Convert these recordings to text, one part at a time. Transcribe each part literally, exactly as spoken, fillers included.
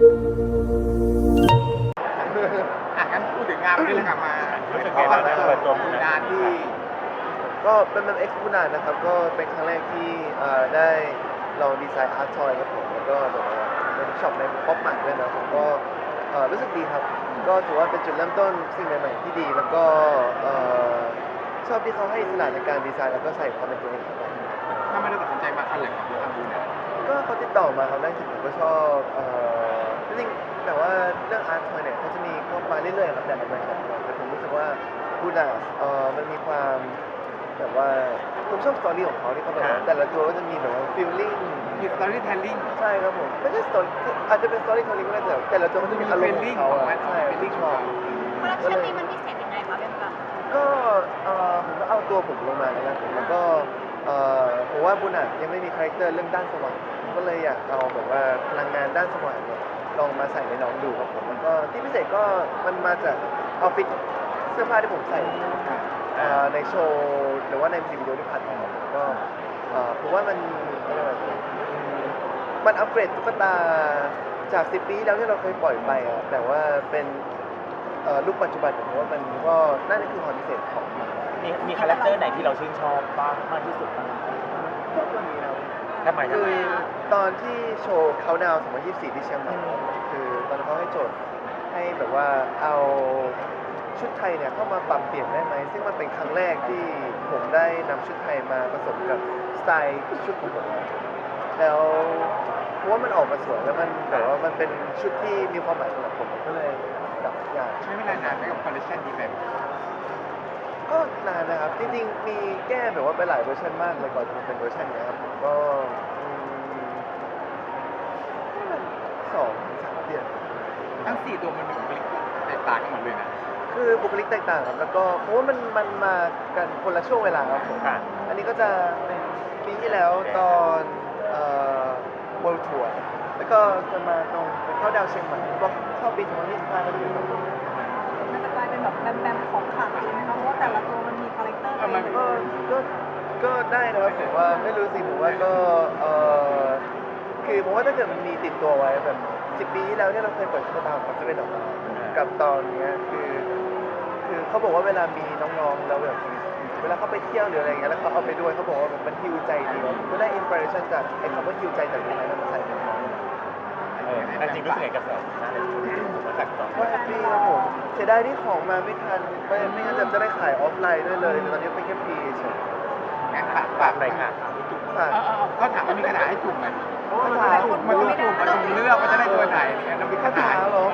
อ่ะงั้นพูดถึงงานวันนี้เลยกลับมารู้สึกไงบ้างได้เปิดตัวมูงานที่ก็เป็นแบบเอ็กซ์พูนานนะครับก็เป็นครั้งแรกที่เอ่อได้ลองดีไซน์อาร์ตทอยครับผมแล้วก็แบบว่าเป็นช็อปในป๊อปมาร์ทด้วยนะผมก็เอ่อรู้สึกดีครับก็ถือว่าเป็นจุดเริ่มต้นสิ่งใหม่ๆที่ดีแล้วก็เอ่อชอบที่เขาให้อิสระในการดีไซน์แล้วก็ใส่ความเป็นตัวเองเข้าไปถ้าไม่ได้ตัดสินใจมาคันแหลกกับทางบูเนี่ยก็เขาติดต่อมาครับแรกที่ผมก็ชอบเอ่อจริงๆแต่ว่าเรื่องอาร์ตทอยเนี่ยเขาจะมีเข้ามาเรื่อยๆครับแต่ละแบบแต่ผมรู้สึกว่าบูดาสเอ่อมันมีความแบบว่าผมชอบสตอรี่ของเขาที่เขาแบบว่าแต่ละตัวก็จะมีแบบว่าฟีลลิ่งมีสตอรี่เทลลิ่งใช่ครับผมไม่ใช่สตอรี่อาจจะเป็นสตอรี่เทลลิ่งก็ได้แต่แต่ละตัวมันจะมีอารมณ์ของเขาอะใช่ feeling ชอบคอลเลคชันนี้มันพิเศษยังไงคะเป็นแบบก็เอ่อผมก็เอาตัวผมลงมานะครับผมแล้วก็เอ่อผมว่าบุญอ่ะยังไม่มีคาแรคเตอร์เรื่องด้านสว่างผมก็เลยอยากเอาแบบว่าพลังงานด้านสว่างเนี่ยลองมาใส่ในน้องดูครับผมแล้วก็ที่พิเศษก็มันมาจากออฟฟิศเสื้อผ้าที่ผมใส่เอ่อในโชว์หรือว่าในมิวสิกวิดีโอที่ผ่านมาก็เอ่อผมว่ามันอะไรแบบ มันอัปเกรดตุ๊กตาจากสิบปีที่แล้วที่เราเคยปล่อยไปอะแต่ว่าเป็นเอ่อลูกปัจจุบันผมว่ามันก็น่าจะคือความพิเศษของมันมีมีคาแรคเตอร์ไหนที่เราชื่นชอบบ้างมากที่สุดบ้างชอบตัวนี้นะทำไมทำคืไมอตอนที่โชว์เขาดาวสองพันยี่สิบสี่ที่เชียงใหม่คือตอนนั้นเขาให้โจทย์ให้แบบว่าเอาชุดไทยเนี่ยเข้ามาปรับเปลี่ยนได้ไหมซึ่งมันเป็นครั้งแรกที่ผมได้นำชุดไทยมาผสมกับสไตล์ชุดของผมแล้วเพราะว่ามันออกมาสวยแล้วมันแบบว่ามันเป็นชุดที่มีความหมายสำหรับผมผมก็เลยแบบอยากใช้เวลานานไหมกับคอลเลคชันนี้แบบก็นานนะครับ จริงๆ มีแก้แบบว่าไปหลายเวอร์ชันมากเลยก่อนจะมาเป็นเวอร์ชันเนี้ยครับผมก็อืมประมาณสองถึงสามเดือนทั้งสี่ตัวมันมีบุคลิกแตกต่างกันหมดเลยนะคือบุคลิกแตกต่างครับแล้วก็เพราะว่ามันมันมากันคนละช่วงเวลาครับผมค่ะอันนี้ก็จะเป็นปีที่แล้วตอนเอ่อ World Tour แล้วก็จะมาตรงเป็นเข้าดาวเชียงใหม่ก็เข้าปีสองพันยี่สิบห้าก็จะเป็นสองคนมันจะกลายเป็นแบบแบมแบมของขลังใช่ไหมคะเพราะว่าแต่ละตัวมันมีคาแรคเตอร์ตัวเองก็ก็ก็ได้นะครับผมว่าไม่รู้สิผมว่าก็เออคือผมว่าถ้าเกิดมันมีติดตัวไว้แบบสิบปีที่แล้วที่เราเคยเปิดตุ๊กตาของเซเว่นออกมากับตอนเนี้ยคือคือเขาบอกว่าเวลามีน้องๆแล้วแบบเวลาเขาไปเที่ยวหรืออะไรเงี้ยแล้วเขาเอาไปด้วยเขาบอกว่าแบบมันฮิวใจดีผมก็ได้อินสปิเรชันจากไอ้คำว่าฮิวใจจากตรงนั้นมาใส่ในน้องเออแต่จริงรู้สึกไงกับแสงหน้าในมาจากตอนก็แฮปปี้ครับผมเสียดายที่ของมาไม่ทันไม่ไม่งั้นจะได้ขายออฟไลน์ด้วยเลยแต่ตอนนี้เป็นแค่พรีเฉยงั้นฝากฝากหน่อยค่ะฝากเออเออเขาถามว่ามีกระดาษให้จุ่มไหมคาถามันต้องจุ่มมันต้องเลือกว่าจะได้ตัวไหนเนี่ยแล้วมีกระดาษเหรอ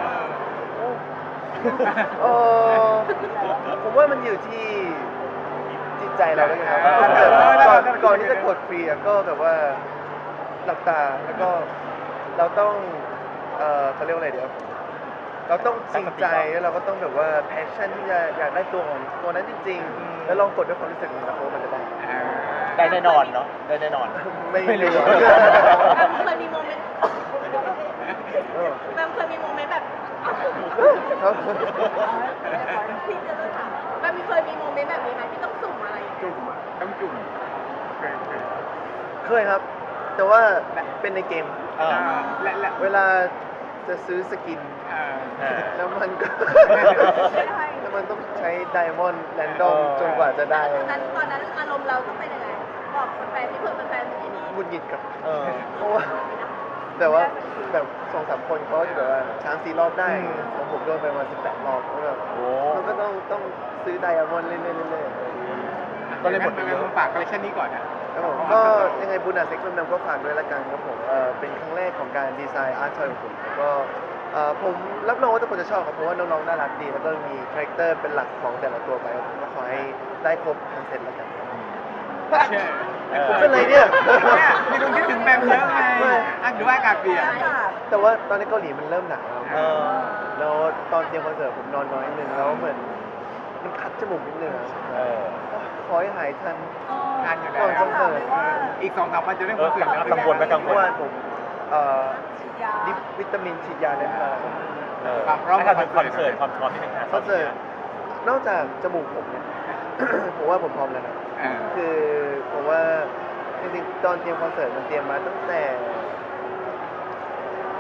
เออผมว่ามันอยู่ที่จิตใจเราแล้วกันครับถ้าเกิดก่อนก่อนที่จะกดฟรีอะก็แบบว่าหลับตาแล้วก็เราต้องเออเขาเรียกว่าอะไรเดี๋ยวเราต้องจริงใจแล้วเราก็ต้องแบบว่าแพชชั่นที่จะอยากได้ตัวของตัวนั้นจริงๆ แล้วลองกดด้วยความรู้สึกของเราว่ามันจะได้ได้แน่นอนเนาะได้แน่นอนไม่ไม่รู้รู้แบมเคยมีโมเมนต์เออแบมเคยมีโมเมนต์แบบครับพี่จะถามแบมเคยมีโมเมนต์แบบนี้ไหมที่ต้องสุ่มอะไรอย่างเงี้ยจุ่มอะต้องจุ่มเคยเคยเคยครับ แต่ว่าเป็นในเกมเออและและเวลาจะซื้อสกินเออเออแล้วมันก็ไม่ได้แล้วมันต้องใช้ไดมอนด์แรนดอมเออจนกว่าจะได้ตอนนั้นตอนนั้นอารมณ์เราต้องเป็นยังไงบอกแฟนๆที่เพิ่งเป็นแฟนที่นี่หงุดหงิดกับเออเพราะว่าแต่ว่าแบบสองสามคนเขาจะแบบว่าช้างสี่รอบได้อืมของผมโดนไปประมาณสิบแปดรอบก็แบบโอ้มันก็ต้องต้องซื้อไดมอนด์เรื่อยๆเรื่อยก็เลยหมดไปไปเยอะฝากคอลเลคชันนี้ก่อนนะๆครับผมก็ยังไงบุญอาเซ็กซ์แมมก็ฝากด้วยละกันครับผมเอ่อเป็นครั้งแรกของการดีไซน์อาร์ตทอยของผมแล้วก็เอ่อผมรับรองว่าทุกคนจะชอบครับเพราะว่าน้องๆน่ารักดีแล้วก็มีคาแรคเตอร์เป็นหลักของแต่ละตัวไปครับผมก็ขอให้ได้ครบทั้งเซตละกันเชื่อเออเป็นไรเนี่ยเนี่ยมีตรงที่ถึงแมมเยอะไงอ่ะหรือว่าอากาศเปลี่ยนแต่ว่าตอนนี้เกาหลีมันเริ่มหนาวแล้วเออแล้วตอนเตรียมคอนเสิร์ตผมนอนน้อยนิดนึงแล้วเหมือนมันคัดจมูกนิดนึงอะเออขอให้หายทันงานอยู่ก่อนคอนนะเสิร์ตอีกสองสามวันจะได้คอนเสิร์ตแล้วกังวลไหมกังวเมื่ลอวานผมเอ่อฉีดยาดิปวิตามินฉีดยาเลยมาเออให้ทำเป็นคอนเสิร์ตความพร้อมที่เป็นงานคอนเสิร์ตนอกจากจมูกผมเนี่ย ผมว่าผมพร้อมแล้วนะเออคือผมว่าจริงๆตอนเตรียมคอนเสิร์ตมันเตรียมมาตั้งแต่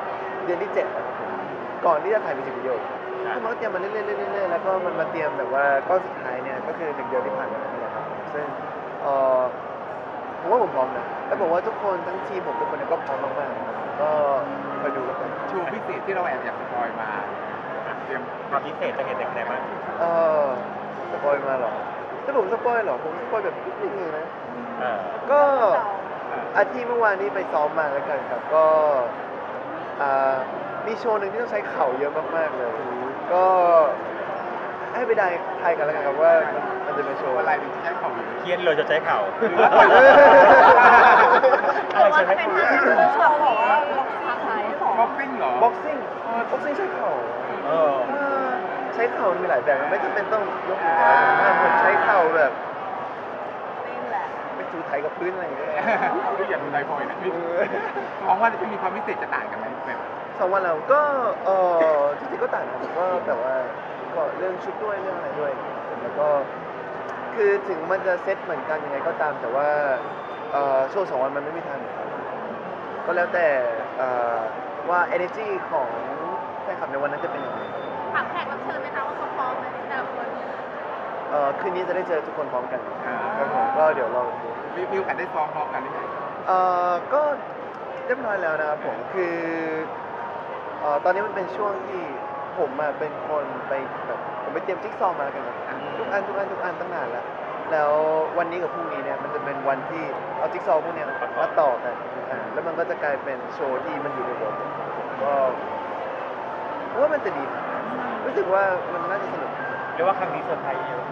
เดือนที่เจ็ดนะครับผมก่อนที่จะถ่ายมิวสิกวิดีโอก็มันก็เตรียมมาเรื่อยๆเรื่อยๆเรื่อยๆแล้วก็มันมาเตรียมแบบว่าก้อนสุดท้ายเนี่ยก็คือหนึ่งเดือนที่ผ่านมานี่แหละครับซึ่งเอ่อผมว่าผมพร้อมนะแล้วผมว่าทุกคนทั้งทีมผมทุกคนเนี่ยก็พร้อมมากๆก็คอยดูกันไปโชว์พิเศษที่เราแอบอยากสปอยมาเตรียมความพิเศษจะเห็นจากไหนบ้างเออสปอยมาเหรอถ้าผมสปอยเหรอผมสปอยแบบนิดนึงเลยนะอ่าก็อาทิตย์เมื่อวานนี้ไปซ้อมมาแล้วกันครับก็อ่ามีโชว์หนึ่งที่ต้องใช้เข่าเยอะมากๆเลย ก็ให้ไปได้ทายกันแล้วกันครับว่ามันมันจะเป็นโชว์อะอะไร ไรถึงจะใช้ของอยู่เคียนเลยจะใช้เข่าหรือว่าจะเป็นท่าที่เราบอกว่าลงทางไหนหรอบ็อกซิ่งเหรอบ็อกซิ่งบ็อกซิ่งใช้เข่าเออเออใช้เข่ามีหลายแบบมันไม่จำเป็นต้องยกมือเท้าอ่าผมใช้เข่าแบบนี่แหละไปถูไถกับพื้นอะไรอย่างเงี้ยไม่อยากดูไดพอยนะพี่เออมองว่าจะมีความพิเศษจะต่างกันไหมแบบสองวันแล้วก็เออจริงๆก็ต่างกันผมก็แบบว่าก็เรื่องชุดด้วยเรื่องอะไรด้วยแล้วก็คือถึงมันจะเซตเหมือนกันยังไงก็ตามแต่ว่าเอ่อโชว์สองวันมันไม่มีทางเหมือนกันก็แล้วแต่เอ่อว่า energy ของแฟนคลับในวันนั้นจะเป็นยังไงถามแขกรับเชิญไหมคะว่าเขาพร้อมไหมแต่ละคนเอ่อคืนนี้จะได้เจอทุกคนพร้อมกันครับผมก็เดี๋ยวลองดูมีมีโอกาสได้ซ้อมพร้อมกันหรือยังเอ่อก็เรียบร้อยแล้วนะครับผมคือเอ่อตอนนี้มันเป็นช่วงที่ผมอะเป็นคนไปแบบผมไปเตรียมจิ๊กซอว์มาแล้วกันครับทุกอันทุกอันทุกอันตั้งนานแล้วแล้ววันนี้กับพรุ่งนี้เนี่ยมันจะเป็นวันที่เอาจิ๊กซอว์พวกเนี้ยมาต่อกันอ่าแล้วมันก็จะกลายเป็นโชว์ที่มันอยู่ในวงก็ผมว่ามันจะดีนะรู้สึกว่ามันน่าจะสนุกเรียกว่าครั้งนี้เซอร์ไพรส์เยอะ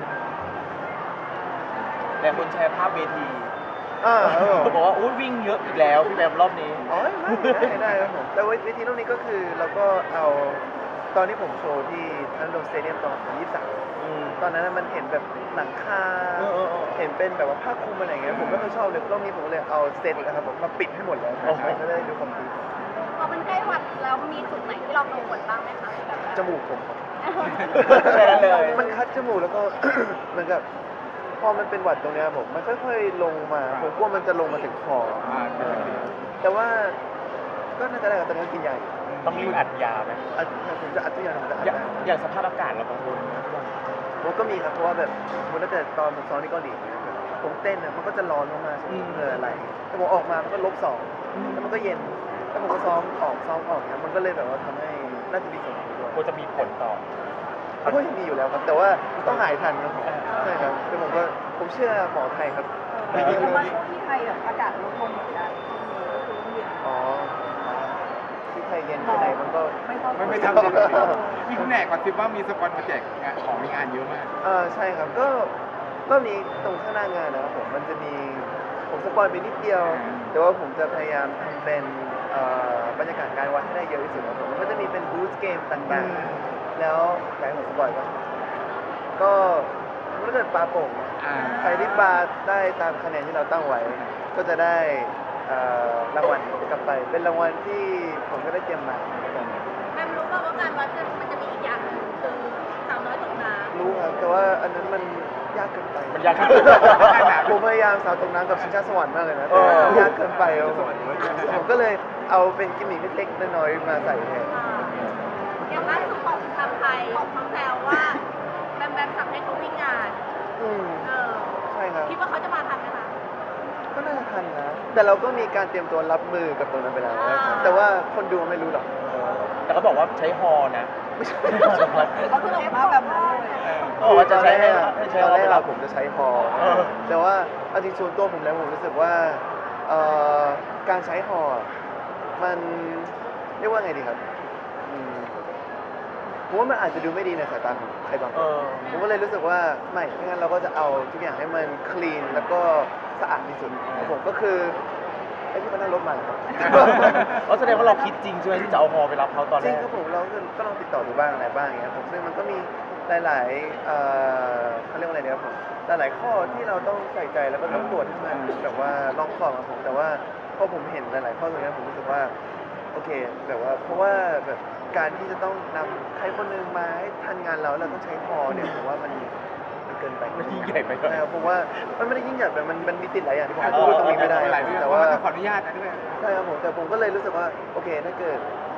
แต่คนแชร์ภาพเวทีอ่าครับผมบอกว่าอุ้ยวิ่งเยอะอีกแล้วพี่แบมรอบนี้อ๋อได้ได้ครับผมแต่เวทีรอบนี้ก็คือเราก็เอาตอนที่ผมโชว์ที่ทันโดมสเตเดียมตอนยี่สิบสามอืมตอนนั้นมันเห็นแบบหลังคาเออเออเออเห็นเป็นแบบว่าผ้าคลุมอะไรอย่างเงี้ยผมไม่ค่อยชอบเลยรอบนี้ผมก็เลยเอาเซตนะครับผมมาปิดให้หมดเลยโอ้โหมันจะได้ดูคอมพลีทพอมันใกล้วันแล้วมีจุดไหนที่เรากังวลบ้างไหมคะแบบจมูกผมครับแค่นั้นเลยมันคัดจมูกแล้วก็ เหมือนกับพอมันเป็นหวัดตรงเนี้ยผมมันค่อยๆลงมาผมกลัวมันจะลงมาถึงคออ่าเออแต่ว่าก็น่าจะได้กับตอนนี้กินยาอยู่ต้องรีบอัดยาไหมอัดผมจะอัดทุกอย่างผมจะอัดอย่างได้อย่างสภาพอากาศเรากังวลไหมผมก็มีครับเพราะว่าแบบสมมติถ้าเกิดตอนผมซ้อมที่เกาหลีเนี่ยแบบผมเต้นเนี่ยมันก็จะร้อนมากๆใช่ไหมเหงื่อไหลแต่ผมออกมามันก็ลบสองแล้วมันก็เย็นแล้วผมก็ซ้อมออกซ้อมออกเนี่ยมันก็เลยแบบว่าทำให้น่าจะมีผลด้วยควรจะมีผลต่อเพราะว่ายังมีอยู่แล้วครับแต่ว่าต้องหายทันครับผมใช่ครับแต่ผมก็ผมเชื่อหมอไทยครับเพราะว่าช่วงที่ไทยแบบอากาศลดลงเหมือนกันช่วงนี้ก็คือเย็นอ๋อที่ไทยเย็นที่ไหนมันก็ไม่ต้องไม่ไม่ทำเลยมีคุณแหนกก่อนทิว่ามีสปอนมาแจกงานของในงานเยอะมากเออใช่ครับก็รอบนี้ตรงข้างหน้างานนะครับผมมันจะมีผมสปอยไปนิดเดียว แต่ว่าผมจะพยายามทำเป็นเอ่อบรรยากาศการวัดให้ได้เยอะที่สุดครับผมมันก็จะมีเป็นบูธเกมต่างๆ แล้วอยากให้ผมสปอยก่อนก็ถ้าเกิดปลาโป่งเนี่ยอ่าใครที่ปลาได้ตามคะแนนที่เราตั้งไว้ ก็จะได้เอ่อรางวัลกลับไป เป็นรางวัลที่ผมก็ได้เตรียมมาครับผมแม่รู้ป่าว่าการวัดกันมันจะมีอีกอย่างหนึ่งคือสาวน้อยตกน้ำรู้ครับแต่ว่าอันนั้นมันยากเกินไปมันยากขึ้นผมพยายามสาวตกน้ำกับชิงชาสวรรค์มากเลยนะเออแต่ยากเกินไปครับผมผมก็เลยเอาเป็นกิมมิคเล็กๆน้อยๆมาใส่แทนอย่างล่าสุดของทำไทยของเขาแซวว่าแบมแบมสั่งให้เขาวิ่งงานอืมเออใช่ครับคิดว่าเขาจะมาทันไหมคะก็น่าจะทันนะ แต่เราก็มีการเตรียมตัวรับมือกับตรงนั้นไปแล้วนะครับอ่าแต่ว่าคนดูไม่รู้หรอกแต่ก็บอกว่าใช้ฮอนะไม่ใช่เขาคือออกมาแบบนั้นเลยเขาบอกว่าจะใช้ให้ให้ใช้ตอนฮอแรไปกรัเราบผมจะใช้ฮอเออแต่ว่าเอาจริงส่วนตัวผมแล้วผมรู้สึกว่าเอ่อการใช้ฮอมันเรียกว่าไงดีครับอืมผมว่ามันอาจจะดูไม่ดีในสายตาของใครบางคเอน อผมก็เลยรู้สึกว่าไม่ไม่งั้นเราก็จะเอาทุกอย่างให้มันคลีนแล้วก็สะอาดที่สุดของผมก็คือไอ้ที่มันนั่งรถมาเหรอครับเพราะแสดงว่าเราคิดจริงใช่ไหมที่จะเอาฮอไปรับเขาตอนจแรริงกครับผมเราก็ก็ลองติดต่อดูบ้างอะไรบ้างอย่างเงี้ยผมซึ่งมันก็มีหลายๆเอ่อเขาเรียกว่าอะไรเนี่ยครับผมหลายๆข้อที่เราต้องใส่ใจแล้วก็ต้องตรวจให้มันแบบว่าลองคอบครับผมแต่ว่าพอผมเห็นหลายๆข้อตรงเนี้ยผมรู้สึกว่าโอเคแบบว่าเพราะว่าแบบการที่จะต้องนำใครคนหนึงมาให้ทันงานเราแล้วเราต้องใช้พอเนี่ยผมว่ามันมันเกินไปมันยิ่งใหญ่ไปหน่อยใช่ครับผมว่ามันไม่ได้ยิ่งใหญ่แต่มันมันมีติดหลายอย่างที่ผมพูดตรงนี้ไม่ได้หลายเรื่องแต่แต่ว่าว่าต้องขออนุญาตนะด้วยใช่ครับผมแต่ผมก็เลยรู้สึกว่าโอเคถ้าเกิด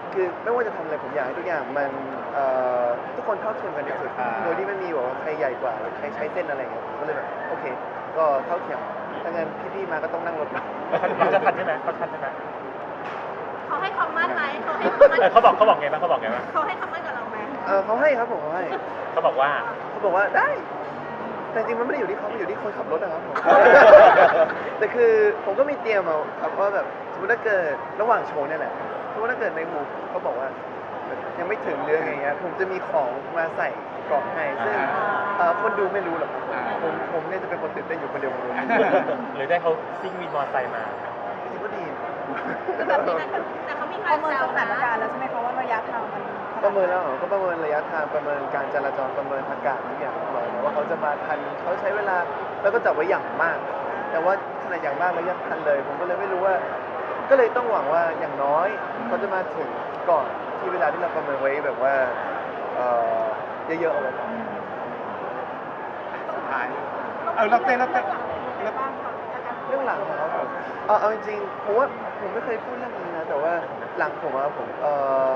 คือไม่ว่าจะทำอะไรผมอยากให้ทุกอย่างมันเอ่อทุกคนเท่าเทียมกันที่สุดโดยที่ไม่มีแบบว่าใครใหญ่กว่าหรือใครใช้เส้นอะไรอย่างเงี้ยผมก็เลยแบบโอเค ก็เท่าเทียมถ้างั้นพี่ๆมาก็ต้องนั่งรถมาเขาจะทันใช่ไหมเขาทันใช่ไหมเขาให้คำมั่นไหมเขาให้คำมั่นเออเขาบอกเขาบอกไงบ้างเขาบอกไงบ้างเขาให้คำมั่นกับเราไหมเออเขาให้ครับผมเขาให้เขาบอกว่าเขาบอกว่าได้ แต่จริงๆมันไม่ได้อยู่ที่เขามันอยู่ที่คนขับรถนะครับผม แต่คือผมก็มีเตรียมเอาครับว่าแบบสมมติถ้าเกิดระหว่างโชว์เนี่ยแหละสมมติถ้าเกิดในหมู่เขาบอกว่ายังไม่ถึงเรื่องอย่างเงี้ยผมจะมีของมาใส่กล่องให้ซึ่งเอ่อคนดูไม่รู้หรอกผมผมเนี่ยจะเป็นคนตื่นเต้นอยู่คนเดียวผมรู้หรือได้เขาซิ่งวินมอเตอร์ไซค์มาจริงๆก็ดีนะแบบนี้นะแต่เขามีใครประเมินแซสวถานนะการณ์แล้วใช่ไหมคะว่าระยะทางมันประเมินแล้วเหรอก็ประเมินระยะทางประเมินการจราจรประเมินอากาศทุกอย่างเรียบร้อยแล้วว่าเขาจะมาทันเขาใช้เวลาแล้วก็จับไว้อย่างมาก แต่ว่าขนาดอย่างมากแล้วยังทันเลย ผมก็เลยไม่รู้ว่า ก็เลยต้องหวังว่าอย่างน้อยเขาจะมาถึงก่อนที่เวลาที่เราประเมินไว้แบบว่าเอ่อเยอะๆเอาไว้ก่อนสุดท้ายเออเราเต้นเราเต้นเราเรื่องหลังนะครับผมเอาเอาจริงๆผมว่าผมไม่เคยพูดเรื่องนี้นะแต่ว่าหลังผมอะผมเอ่อ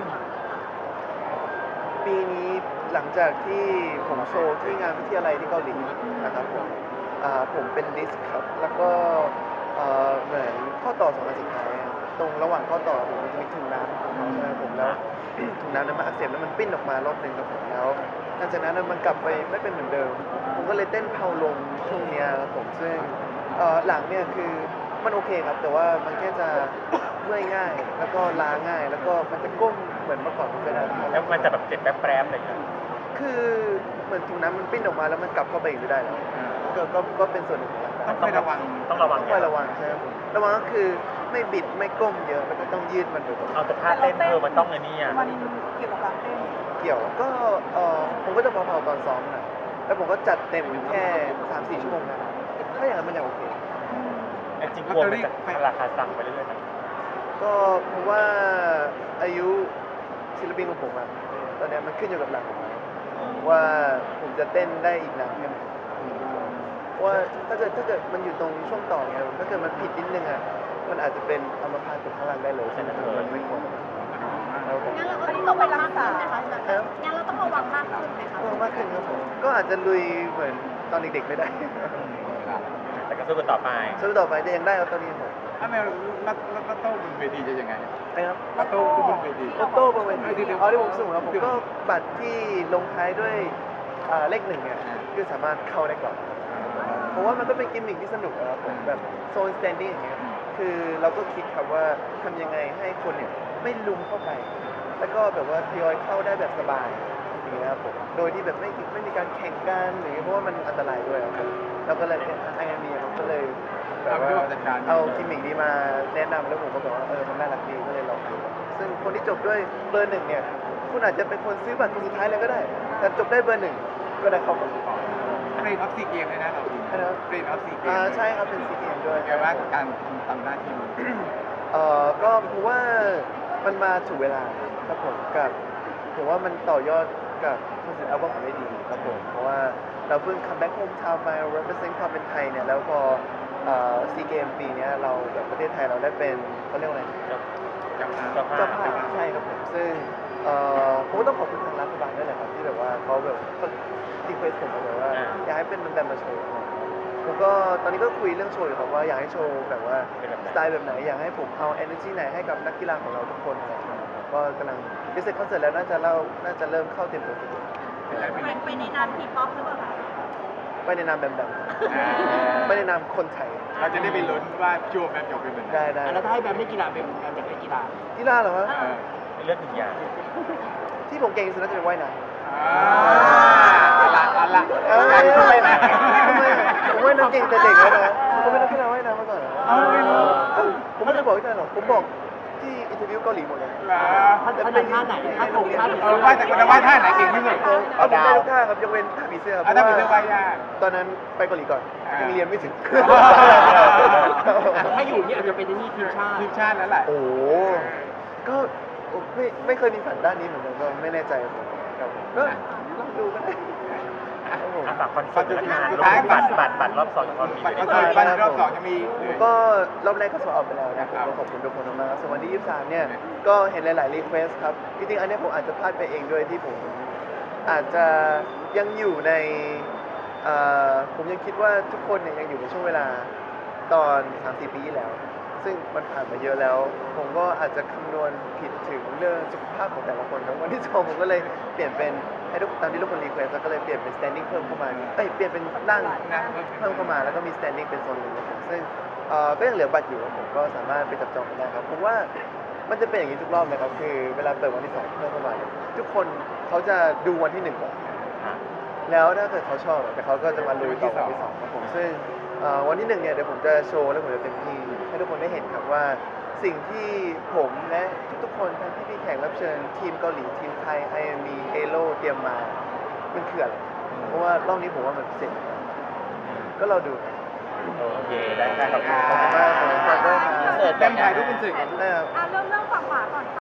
ปีนี้หลังจากที่ผมโชว์ที่งานวิทยาลัยที่เกาหลีนะครับผมอ่าผมเป็นดิสก์ครับ แล้วก็เอ่อเหมือนข้อต่อสองอันสุดท้ายอะตรงระหว่างข้อต่อผมมันจะมีถุงน้ำของเขาใช่ไหมผมแล้ว ถุงน้ำนั้นมันอักเสบแล้วมันปิ้นออกมารอบหนึ่งครับผมแล้วหลังจากนั้นมันกลับไปไม่เป็นเหมือนเดิม ผมก็เลยเต้นเพาลงช่วงเนี้ยครับผมซึ่งเอ่อหลังเนี่ยคือมันโอเคครับ แต่ว่ามันแค่จะเมื่อยง่าย แล้วก็ล้าง่าย แล้วก็มันจะก้มเหมือนเมื่อก่อนไม่ได้แล้วมันจะแบบเจ็บแป๊บๆอะไรอย่างเงี้ยคือเหมือนถุงน้ำมันปิ้นออกมาแล้วมันกลับเข้าไปอีกไม่ได้แล้วก็ก็ก็เป็นส่วนหนึ่งของร่างกายต้องคอยระวังต้องระวังต้องคอยระวังใช่ไหมผมระวังก็คือไม่บิดไม่ก้มเยอะแล้วก็ต้องยืดมันบ่อยเอาแต่ท่าเต้นเธอมันต้องไอ้นี่อ่ะมันเกี่ยวกับการเต้นๆเกี่ยวก็เออผมก็จะเบาๆตอนซ้อมนะแล้วผมก็จัดเต็มแค่สามสี่ชั่วโมงนะถ้าอย่างนั้นมันยังโอเคแต่จริงๆกลัวมันจะราคาสั่งไปเรื่อยๆนะก็เพราะว่าอายุศิลปินของผมอะตอนเนี้ยมันขึ้นอยู่กับหลังผมแล้วว่าผมจะเต้นได้อีกนานแค่ไหนว่าถ้าเกิดถ้าเกิดมันอยู่ตรงช่วงต่อไงถ้าเกิดมันผิดนิดนึงอะมันอาจจะเป็นอัมพาตตกข้างล่างได้เลยใช่ไหมมันไม่ควรครับผมงั้นเราก็ต้องระวังมากขึ้นไหมคะงั้นเราต้องระวังมากขึ้นไหมคะก็มากขึ้นครับผมก็อาจจะลุยเหมือนตอนเด็กๆไม่ได้แต่ก็สู้กันต่อไปสู้ต่อไปจะยังได้ครับตอนนี้ผมถ้าแมวรัตรัตโต้บนเวทีจะยังไงนะครับรัตโต้บนเวทีโตโต้บางเวทีอ๋อที่ผมสูงครับผมก็บัตรที่ลงท้ายด้วยอ่าเลขหนึ่งเนี่ยคือสามารถเข้าได้ก่อนผมว่ามันก็เป็นกิมมิคที่สนุกนะครับผมแบบโซนสแตนดิ้งอย่างเงี้ยคือเราก็คิดครับว่าทำยังไงให้คนเนี่ยไม่ลุมเข้าไป แล้วก็แบบว่าทยอยเข้าได้แบบสบายอย่างเงี้ยครับผมโดยที่แบบไม่ไม่มีการแข่งกันหรือเพราะว่ามันอันตรายด้วยครับผมเราก็เลยไอ้ไงมีผมก็เลยแบบว่าเอากิมมิคนี้มาแนะนำแล้วผมก็บอกว่าเออมันน่ารักดีก็เลยลองดูซึ่งคนที่จบด้วยเบอร์หนึ่งเนี่ยคุณอาจจะเป็นคนซื้อบัตรคนสุดท้ายเลยก็ได้ แต่จบได้เบอร์หนึ่งก็ได้เข้ากับเฟรนออฟซีเกมเลยนะเราทีเฟรนออฟซีเกมอ่าใช่ครับเป็นซีเกมด้วยแกว่ากับการทำหน้าที่เอ่อก็ผมว่ามันมาถูกเวลาครับผมกับผมว่ามันต่อยอดกับคอนเสิร์ตอัลบั้มของได้ดีครับผมเพราะว่าเราเพิ่งคัมแบ็กโฮมทาวน์มา represent ความเป็นไทยเนี่ยแล้วพอซีเกมปีเนี้ยเราแบบประเทศไทยเราได้เป็นเขาเรียกว่าอะไรเจ้าภาพเจ้าภาพใช่ครับผมซึ่งเอ่อผมก็ต้องขอบคุณทางรัฐบาลด้วยแหละครับที่แบบว่าเขาแบบเขารีเควสผมมาเลยว่าอยากให้เป็นมันแบบมาโชว์ผมก็ตอนนี้ก็คุยเรื่องโชว์อยู่ครับว่าอยากให้โชว์แบบว่าสไตล์แบบไหนอยากให้ผมเอา energy ไหนให้กับนักกีฬาของเราทุกคนอะไรอย่างเงี้ยครับก็กำลังดิสเซคอนเสิร์ตแล้วน่าจะเล่าน่าจะเริ่มเข้าเต็มตัวสุดไปไปในนามทีป๊อปหรือเปล่าคะไปในนามแบบแบบไปในนามคนไทยเราจะได้ไปลุ้นว่าช่วงแมตช์จบเป็นยังไงได้ได้แล้วถ้าให้แบมไม่กีฬาเป็นแบมอยากให้กีฬากีฬาเหรอครับเออเลือกหนึ่งอย่างที่ผมเก่งที่สุดน่าจะเป็นว่ายน้ำอ่าเอาละเอาละเอ้ยทำไมนะทำไมผมว่ายน้ำเก่งแต่เด็กแล้วนะผมเป็นนักกีฬาว่ายน้ำมาก่อนเหรอเอ้าไม่รู้เอ้าผมไม่ได้บอกที่ไหนหรอกผมบอกที่อินเทอร์วิวเกาหลีหมดเลยเหรอท่านท่านท่าไหนท่านตรงท่านเออว่าแต่คนจะว่าท่าไหนเก่งที่สุดเออเอาผมได้ทุกท่าครับยกเว้นท่าผีเสื้อครับอ่ะถ้าเป็นเรื่องว่ายยากตอนนั้นไปเกาหลีก่อนอ่ายัยังเรียนไม่ถึงถ้าอยู่นี่อาจจะเป็นนี่ทีมชาติทีมชาติแล้วแหละโอ้โหก็ไม่ไม่เคยมีฝันด้านนี้เหมือนกันก็ไม่แน่ใจครับผมครับก็ลองดูก็ได้ครับผมฝากคอนเสิร์ตและงานสุดรวมท้ายถึงบัตรบัตรบัตรรอบสองของเรามีบัตรอยู่คอนในเสิร์ตวันรอบสองจะมีผมก็รอบแรกก็สอบออกไปแล้วนะผมก็ขอบคุณทุกคนมากๆส่วนวันที่ยี่สิบสามเนี่ยก็เห็นหลายๆรีเควสครับจริงๆอันเนี้ยผมอาจจะพลาดไปเองด้วยที่ผมอาจจะยังอยู่ในเอ่อผมยังคิดว่าทุกคนเนี่ยยังอยู่ในช่วงเวลาตอนสามสี่ปีที่แล้ว ซึ่งมันผ่านมาเยอะแล้ว ผมก็อาจจะคำนวณผิดถึงเรื่องสุขภาพของแต่ละคนครับวันที่สองผมก็เลยเปลี่ยนเป็นให้ทุกตามที่ทุกคนรีเควสแล้วก็เลยเปลี่ยนเป็น standing เพิ่มเข้ามาเอ้ยเปลี่ยนเป็นนั่งนะเพิ่มเข้ามาแล้วก็มี standing เป็นโซนหนึ่งครับผมซึ่งเอ่อก็ยังเหลือบัตรอยู่ครับผมก็สามารถไปจับจองกันได้ครับผมว่ามันจะเป็นอย่างนี้ทุกรอบเลยครับคือเวลาเปิดวันที่สองเพิ่มเข้ามาเนี่ยทุกคนเขาจะดูวันที่หนึ่งก่อนแล้วถ้าเกิดเขาชอบแต่เขาก็จะมาลุยต่อวันที่สองครับผมซึ่งเอ่อวันที่หนึ่งเนี่ยเดี๋ยวผมจะโชว์แล้วผมจะเต็มที่ให้ทุกคนได้เห็นครับว่าสิ่งที่ผมและทุกๆคนทั้งที่พี่แขกรับเชิญทีมเกาหลีทีมไทย ไอ เอ็ม อี เอโลเตรียมมามันคืออะไรเพราะว่ารอบนี้ผมว่ามันพิเศษก็เราดูครับโอเคได้ครับขอบคุณมากขอบคุณมากด้วยครับเสิร์ฟเต็มถ่ายรูปเป็นสื่อกันได้ครับอ่ะเริ่มเริ่มฝั่งขวาก่อน